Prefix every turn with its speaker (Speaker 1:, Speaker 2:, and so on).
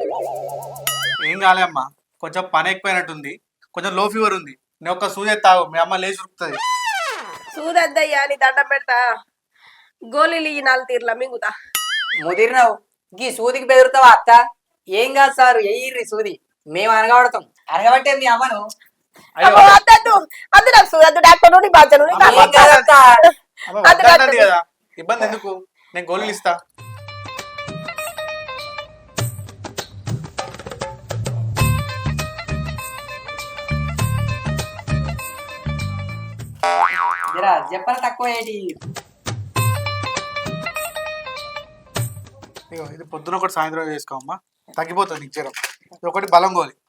Speaker 1: ఏం కాలే అమ్మా, కొంచెం పని ఎక్కువైనట్టుంది, కొంచెం లో ఫీవర్ ఉంది. నేను ఒక్క సూది తాగు, మీ అమ్మ లేచి ఉరుకుతుంది.
Speaker 2: సూదద్దయ్యా నీ దండం పెడతా. గోళీలు ఈ 4 తీర్ల మింగుతా.
Speaker 3: ముదిరినావు గీ సూదికి బెదురుతావా అత్త? ఏం కాదు సార్, ఎయ్యిర్రి సూది, మేము అనగబడతాం. అనగబట్టే మీ అమ్మను.
Speaker 2: అబ్బో, వద్దొద్దు. వద్దు నాకు సూదద్దు. డాక్టర్ నీ బాధ్యను
Speaker 3: ఏం కాదు అత్త.
Speaker 1: వద్దంటది కదా, ఇబ్బంది ఎందుకు, నేను గోళీలు ఇస్తా.
Speaker 3: జరా చెప్పలు తక్కువ ఏంటి?
Speaker 1: ఇగో ఇది పొద్దున ఒకటి సాయంత్రం చేసుకోమ్మా, తగ్గిపోతుంది నీకు జ్వరం. ఇది ఒకటి బలం గోలి.